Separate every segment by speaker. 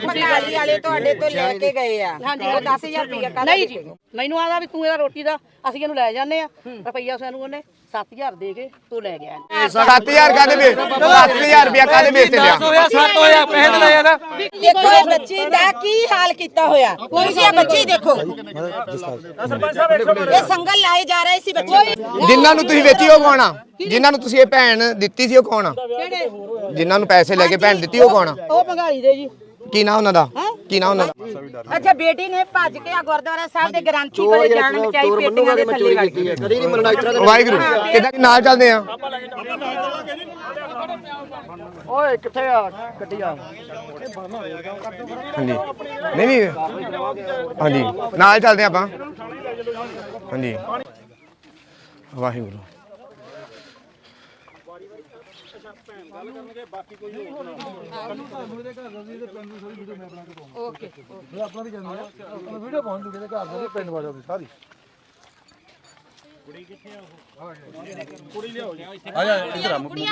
Speaker 1: ਭੰਗਾਲੀ ਵਾਲੇ ਤੁਹਾਡੇ ਤੋਂ ਲੈ ਕੇ ਗਏ ਆ ਹਾਂਜੀ 10000 ਰੁਪਇਆ
Speaker 2: ਨਹੀਂ ਜੀ ਮੈਨੂੰ ਆਦਾ ਵੀ ਤੂੰ ਇਹਦਾ ਰੋਟੀ ਦਾ ਅਸੀਂ ਇਹਨੂੰ ਲੈ ਜਾਂਦੇ ਆ ਰੁਪਈਆ ਸਾਨੂੰ ਉਹਨੇ 7000 ਦੇ ਕੇ ਤੂੰ ਲੈ ਗਿਆ
Speaker 3: 7000 ਕਾਦੇ ਵੇ 7000 ਰੁਪਇਆ ਕਾਦੇ ਵੇਚ ਲਿਆ
Speaker 4: 7 ਹੋਇਆ ਪੈਸੇ ਤੇ ਲੈ ਜਾਣਾ
Speaker 1: ਦੇਖੋ ਇਹ ਬੱਚੀ ਦਾ ਕੀ ਹਾਲ ਕੀਤਾ ਹੋਇਆ ਤੁਸੀਂ ਇਹ ਬੱਚੀ ਦੇਖੋ ਇਹ ਸੰਗਲ ਲਾਏ ਜਾ ਰਹੇ ਸੀ ਬੱਚੇ
Speaker 3: ਜਿਨ੍ਹਾਂ ਨੂੰ ਤੁਸੀਂ ਵੇਚੀ ਉਹ ਕੌਣ ਆ ਜਿਨ੍ਹਾਂ ਨੂੰ ਤੁਸੀਂ ਇਹ ਭੈਣ ਦਿੱਤੀ ਸੀ ਉਹ ਕੌਣ ਆ ਜਿਨ੍ਹਾਂ ਨੂੰ ਪੈਸੇ ਲੈ ਕੇ ਭੈਣ ਦਿੱਤੀ ਉਹ ਕੌਣ ਆ
Speaker 2: ਉਹ ਭੰਗਾਲੀ ਦੇ ਜੀ
Speaker 3: ਕੀ ਨਾਂ ਉਹਨਾਂ ਦਾ ਕੀ ਨਾਂ ਉਹਨਾਂ ਦਾ
Speaker 1: ਅੱਛਾ ਬੇਟੀ ਨੇ ਭੱਜ ਕੇ ਆ ਗੁਰਦੁਆਰਾ ਸਾਹਿਬ ਦੇ ਗ੍ਰੰਥੀ ਕੋਲੇ ਜਾਣ ਬਚਾਈ ਪੇਟੀਆਂ ਦੇ ਥੱਲੇ ਵੜ ਗਈ
Speaker 4: ਕਦੀ ਨਹੀਂ ਮਰਨਾ ਇਤਰਾ
Speaker 3: ਵਾਹਿਗੁਰੂ ਕਿੱਦਾਂ ਨਾਲ ਚੱਲਦੇ ਆ
Speaker 4: ਓਏ ਕਿੱਥੇ ਆ ਗੱਡੀ ਆ
Speaker 3: ਹਾਂਜੀ ਨਹੀਂ ਹਾਂਜੀ ਨਾਲ ਚੱਲਦੇ ਆਪਾਂ ਹਾਂਜੀ ਵਾਹਿਗੁਰੂ
Speaker 4: ਓਕੇ ਆਪਣਾ ਵੀ ਜਾਂਦੇ ਆ ਵੀਡੀਓ ਪਹੁੰਚ ਜੂਗੇ ਘਰ ਦੇ ਪਿੰਡ ਵਾਲਿਆਂ ਦੀ ਸਾਰੀ ਕੁੜੀ ਕਿੱਥੇ ਆ ਉਹ ਕੁੜੀ ਲਿਆਓ ਜੀ ਆ ਜਾ ਇੱਧਰ ਆ ਮੁਰੇ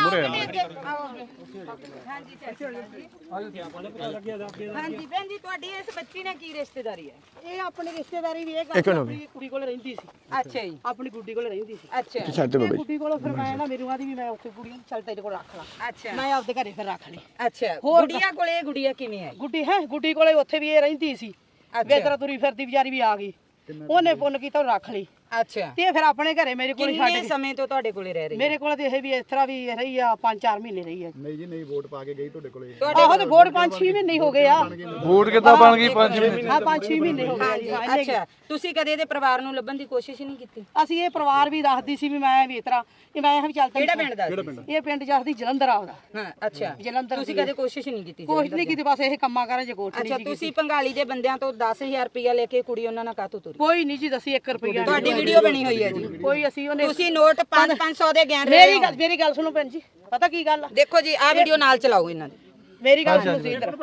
Speaker 1: ਹਾਂਜੀ ਭੈਣ ਜੀ ਤੁਹਾਡੀ ਇਸ ਬੱਚੀ ਨਾਲ ਕੀ ਰਿਸ਼ਤੇਦਾਰੀ ਹੈ
Speaker 2: ਇਹ ਆਪਣੀ ਰਿਸ਼ਤੇਦਾਰੀ ਵੀ ਇਹ ਕੁੜੀ ਕੋਲ ਰਹਿੰਦੀ ਸੀ
Speaker 1: ਅੱਛਾ ਜੀ
Speaker 2: ਆਪਣੀ ਗੁੱਡੀ ਕੋਲ ਰਹਿੰਦੀ ਸੀ
Speaker 1: ਅੱਛਾ
Speaker 2: ਗੁੱਡੀ ਕੋਲ ਫਿਰ ਮੈਂ ਨਾ ਮੇਰੀ ਆਦੀ ਵੀ ਮੈਂ ਉੱਥੇ ਕੁੜੀ ਨੂੰ ਚੱਲ ਤੇਰੇ ਕੋਲ ਰੱਖ ਲਾਂ
Speaker 1: ਅੱਛਾ
Speaker 2: ਮੈਂ ਆਪਦੇ ਘਰੇ ਫਿਰ ਰੱਖ ਲਈ
Speaker 1: ਅੱਛਾ ਗੁੜੀਆ ਕੋਲੇ ਗੁੜੀਆ ਕਿਵੇਂ ਹੈ
Speaker 2: ਗੁੱਡੀ ਕੋਲੇ ਉੱਥੇ ਵੀ ਇਹ ਰਹਿੰਦੀ ਸੀ ਵੇਤਰਾ ਤੁਰੀ ਫਿਰਦੀ ਵਿਚਾਰੀ ਵੀ ਆ ਗਈ ਉਹਨੇ ਪੁੰਨ ਕੀਤਾ ਉਹ ਰੱਖ ਲਈ
Speaker 1: ਅੱਛਾ
Speaker 2: ਤੇ ਫਿਰ ਆਪਣੇ ਘਰੇ ਮੇਰੇ ਕੋਲ ਛੱਡ
Speaker 1: ਕਿੰਨੇ ਸਮੇਂ ਤੋਂ ਤੁਹਾਡੇ ਕੋਲੇ ਰਹਿ ਰਹੀ
Speaker 2: ਮੇਰੇ ਕੋਲ ਤੇ ਇਹ ਵੀ ਇਸ ਤਰ੍ਹਾਂ ਵੀ ਰਹੀ ਆ 5-4 ਮਹੀਨੇ ਰਹੀ ਆ
Speaker 4: ਨਹੀਂ ਜੀ ਨਹੀਂ ਵੋਟ ਪਾ ਕੇ ਗਈ ਤੁਹਾਡੇ ਕੋਲੇ
Speaker 2: ਆਹੋ ਤੇ ਵੋਟ 5-6 ਮਹੀਨੇ ਹੋ ਗਏ ਆ
Speaker 4: ਵੋਟ ਕਿੱਦਾਂ ਬਣ ਗਈ 5 ਮਹੀਨੇ
Speaker 2: ਹਾਂ 5-6 ਮਹੀਨੇ ਹੋ ਗਏ ਆ
Speaker 1: ਅੱਛਾ ਤੁਸੀਂ ਕਦੇ ਇਹਦੇ ਪਰਿਵਾਰ ਨੂੰ ਲੱਭਣ ਦੀ ਕੋਸ਼ਿਸ਼ ਨਹੀਂ ਕੀਤੀ
Speaker 2: ਅਸੀਂ ਇਹ ਪਰਿਵਾਰ ਵੀ ਰੱਖਦੀ ਸੀ ਵੀ ਮੈਂ ਵੀ ਇਸ ਤਰ੍ਹਾਂ ਮੈਂ ਵੀ ਚੱਲ
Speaker 1: ਕਿਹੜਾ ਪਿੰਡ ਦਾ
Speaker 2: ਇਹ ਪਿੰਡ ਜਸਦੀ ਜਲੰਧਰ ਆਉਦਾ
Speaker 1: ਹਾਂ ਅੱਛਾ
Speaker 2: ਜਲੰਧਰ
Speaker 1: ਤੁਸੀਂ ਕਦੇ ਕੋਸ਼ਿਸ਼ ਨਹੀਂ ਕੀਤੀ
Speaker 2: ਕੋਸ਼ਿਸ਼ ਨਹੀਂ ਕੀਤੀ ਬਸ ਇਹ ਕੰਮਾਂ ਕਰਾਂ ਜੇ ਕੋਠੀ
Speaker 1: ਅੱਛਾ ਤੁਸੀਂ ਪੰਗਾਲੀ ਦੇ ਬੰਦਿਆਂ ਤੋਂ 10000 ਰੁਪਇਆ ਲੈ ਕੇ ਕੁੜੀ ਉਹਨਾਂ ਨਾਲ ਕਾਤੋਂ ਤੁਰੀ
Speaker 2: ਕੋਈ ਨਹੀਂ ਜੀ ਦੱਸੀ 1 ਰੁਪਿਆ
Speaker 1: ਤੁਹਾਡੀ ਵੀਡੀਓ ਬਣੀ ਹੋਈ ਹੈ ਜੀ
Speaker 2: ਕੋਈ ਅਸੀਂ ਉਹਨੇ
Speaker 1: ਤੁਸੀਂ ਨੋਟ 500 ਦੇ ਗਿਆਨ
Speaker 2: ਮੇਰੀ ਗੱਲ ਸੁਣੋ ਭੈਣ ਜੀ ਪਤਾ ਕੀ ਗੱਲ ਆ
Speaker 1: ਦੇਖੋ ਜੀ ਆਹ ਵੀਡੀਓ ਨਾਲ ਚਲਾਓ ਇਹਨਾਂ ਦੀ
Speaker 2: ਮੇਰੀ ਗੱਲ ਸੁਣੋ ਤੁਸੀਂ ਇੱਧਰ